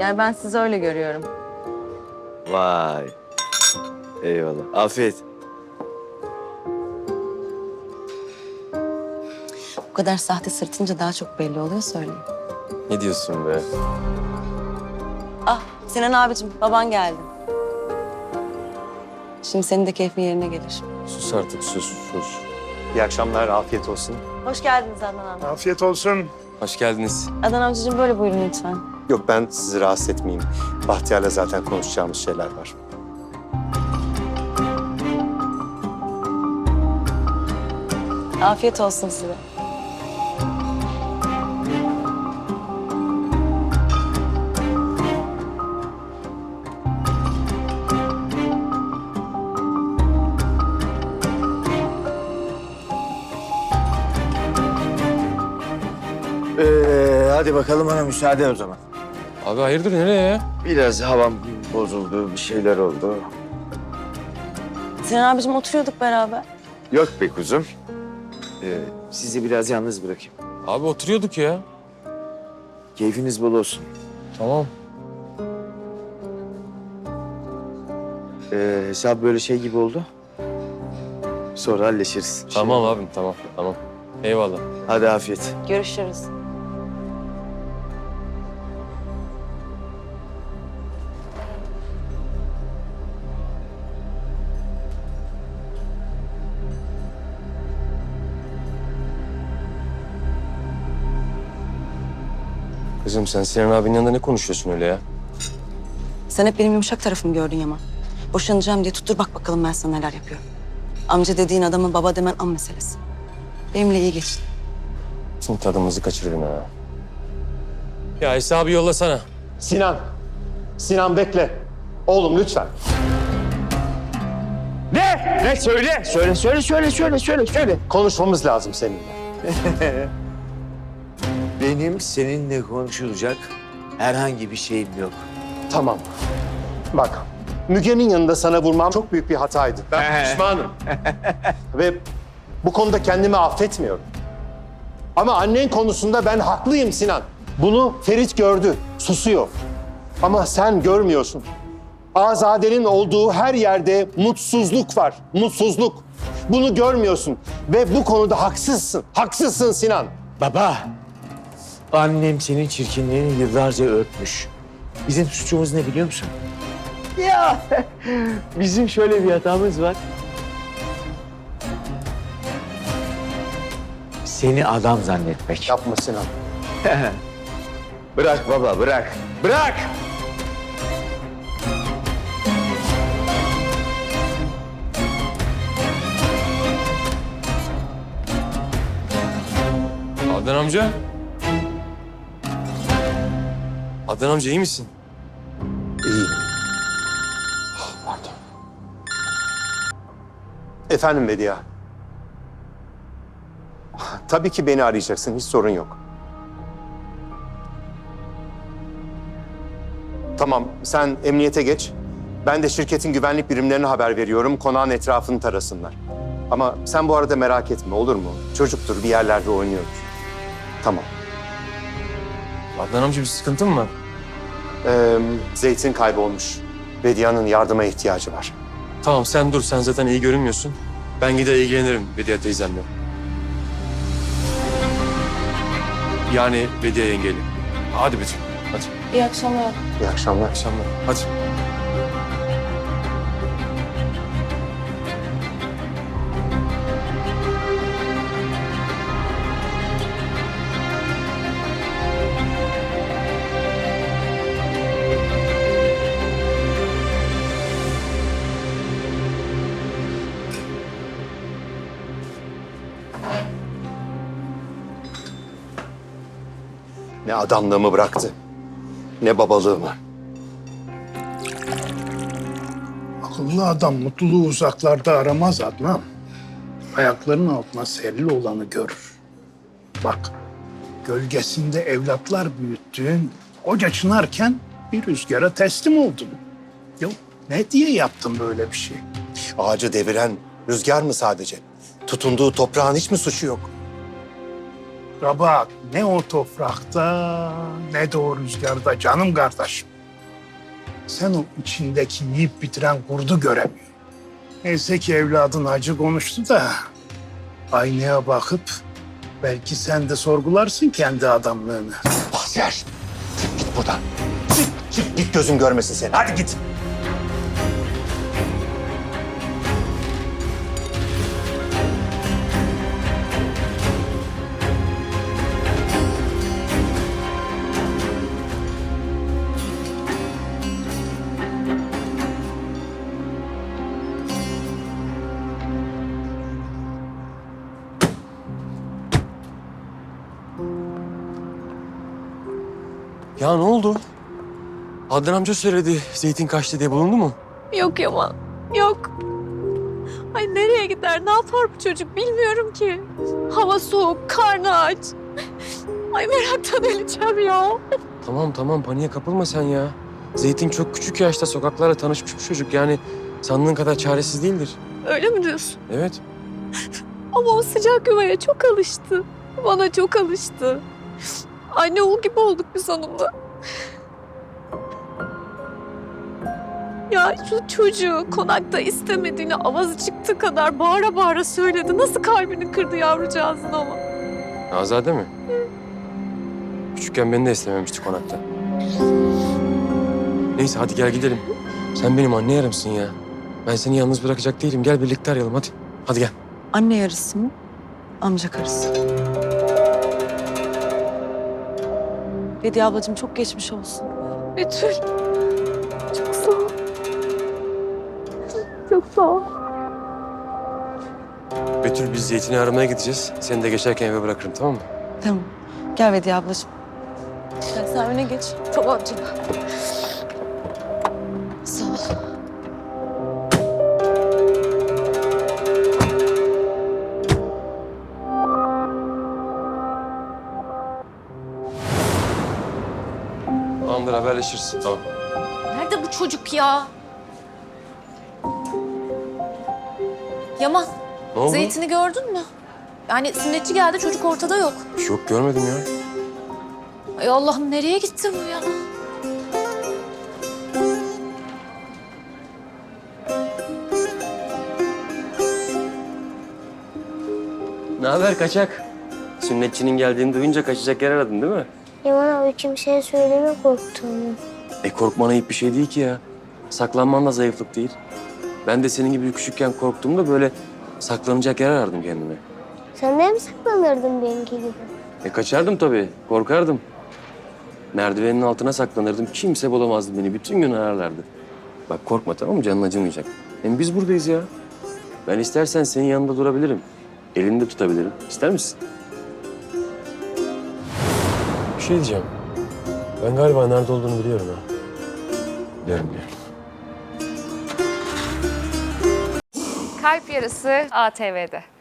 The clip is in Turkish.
Yani ben sizi öyle görüyorum. Vay. Eyvallah. Afiyet. Bu kadar sahte sırtınca daha çok belli oluyor söyleyeyim. Ne diyorsun be? Ah Sinan abicim baban geldi. Şimdi senin de keyfin yerine gelir. Sus artık sus. İyi akşamlar, afiyet olsun. Hoş geldiniz Adnan amca. Afiyet olsun. Hoş geldiniz. Adnan amcacığım böyle buyurun lütfen. Yok, ben sizi rahatsız etmeyeyim. Bahtiyar'la zaten konuşacağımız şeyler var. Afiyet olsun size. Hadi bakalım bana müsaade o zaman. Abi hayırdır nereye ya? Biraz havam bozuldu, bir şeyler oldu. Sinan abicim oturuyorduk beraber. Yok be kuzum. Sizi biraz yalnız bırakayım. Abi oturuyorduk ya. Keyfiniz bol olsun. Tamam. Hesap böyle şey gibi oldu. Sonra halleşiriz. Tamam abim tamam. Eyvallah. Hadi afiyet. Görüşürüz. Kızım sen Sinan abinin yanında ne konuşuyorsun öyle ya? Sen hep benim yumuşak tarafımı gördün Yaman. Boşanacağım diye tuttur bak bakalım ben sana neler yapıyorum. Amca dediğin adamı baba demen an meselesi. Benimle iyi geçin. Şimdi tadımızı kaçırdın ha. Ya hesabı yollasana. Sinan bekle. Oğlum lütfen. Ne? Söyle. Söyle. Konuşmamız lazım seninle. Benim seninle konuşulacak herhangi bir şeyim yok. Tamam. Bak, Müge'nin yanında sana vurmam çok büyük bir hataydı. Ben pişmanım. Ve bu konuda kendimi affetmiyorum. Ama annen konusunda ben haklıyım Sinan. Bunu Ferit gördü, susuyor. Ama sen görmüyorsun. Azade'nin olduğu her yerde mutsuzluk var, mutsuzluk. Bunu görmüyorsun ve bu konuda haksızsın. Haksızsın Sinan. Baba, annem senin çirkinliğini yıllarca örtmüş. Bizim suçumuz ne biliyor musun? Ya, bizim şöyle bir hatamız var. Seni adam zannetmek. Yapma Sinan. Bırak baba, bırak. Bırak! Adnan amca. Adnan amca iyi misin? İyi. Pardon. Efendim Bediye. Tabii ki beni arayacaksın, hiç sorun yok. Tamam, sen emniyete geç. Ben de şirketin güvenlik birimlerine haber veriyorum, konağın etrafını tarasınlar. Ama sen bu arada merak etme, olur mu? Çocuktur, bir yerlerde oynuyordur. Tamam. Adnan amca bir sıkıntı mı var? Zeytin kaybolmuş. Bediye'nin yardıma ihtiyacı var. Tamam sen dur, sen zaten iyi görünmüyorsun. Ben gider ilgilenirim Bediye teyzemle. Yani Bediye yengeyle. Hadi Betül, hadi. İyi akşamlar. İyi akşamlar. Akşamlar, hadi. Ne adamlığımı bıraktı, ne babalığımı. Akıllı adam mutluluğu uzaklarda aramaz Adnan. Ayaklarının altına serili olanı görür. Bak, gölgesinde evlatlar büyüttüğün koca çınarken bir rüzgara teslim oldun. Yok, ne diye yaptın böyle bir şey? Ağacı deviren rüzgar mı sadece? Tutunduğu toprağın hiç mi suçu yok? Rabat ne o toprakta ne de o rüzgarda canım kardeşim. Sen o içindeki yiyip bitiren kurdu göremiyorsun. Neyse ki evladın acı konuştu da aynaya bakıp belki sen de sorgularsın kendi adamlığını. Bahtiyar, çık git buradan. Çık git gözüm görmesin seni. Hadi git. Ya ne oldu? Adnan amca söyledi zeytin kaçtı diye, bulundu mu? Yok Yaman, yok. Ay nereye gider, ne yapar bu çocuk bilmiyorum ki. Hava soğuk, karnı aç. Ay meraktan öleceğim ya. Tamam paniğe kapılma sen ya. Zeytin çok küçük yaşta sokaklarla tanışmış bir çocuk. Yani sandığın kadar çaresiz değildir. Öyle mi diyorsun? Evet. Ama o sıcak yuvaya çok alıştı. Bana çok alıştı. Anne oğul gibi olduk biz onunla. Ya şu çocuğu konakta istemediğini avazı çıktığı kadar bağıra bağıra söyledi. Nasıl kalbini kırdı yavrucağızın ama. Azade mi? Küçükken beni de istememişti konakta. Neyse hadi gel gidelim. Sen benim anne yarımsın ya. Ben seni yalnız bırakacak değilim. Gel birlikte arayalım hadi. Hadi gel. Anne yarısı mı? Amca karısı. Bediye ablacığım çok geçmiş olsun. Betül. Çok sağ ol. Çok sağ ol. Betül biz zeytini aramaya gideceğiz. Seni de geçerken eve bırakırım, tamam mı? Tamam. Gel Bediye ablacığım. Gel sen öne geç. Tamam canım. Sağ ol. Tamamdır, haberleşiriz. Tamam. Nerede bu çocuk ya? Yaman, Ne oldu? zeytini gördün mü? Yani sünnetçi geldi, çocuk ortada yok. Yok görmedim ya. Ay Allah'ım nereye gitti bu ya? Ne haber kaçak? Sünnetçinin geldiğini duyunca kaçacak yer aradın değil mi? Yaman abi kimseye söyleme korktuğumu. Korkman ayıp bir şey değil ki ya. Saklanman da zayıflık değil. Ben de senin gibi küçükken korktuğumda böyle saklanacak yer arardım kendime. Sen de mi saklanırdın benimki gibi? Kaçardım tabii, korkardım. Merdivenin altına saklanırdım. Kimse bulamazdı beni. Bütün gün ararlardı. Bak korkma, tamam mı? Canın acımayacak. Hem biz buradayız ya. Ben istersen senin yanında durabilirim. Elini de tutabilirim. İster misin? Bir şey diyeceğim. Ben galiba nerede olduğunu biliyorum ha. Biliyorum. Kalp Yarısı ATV'de.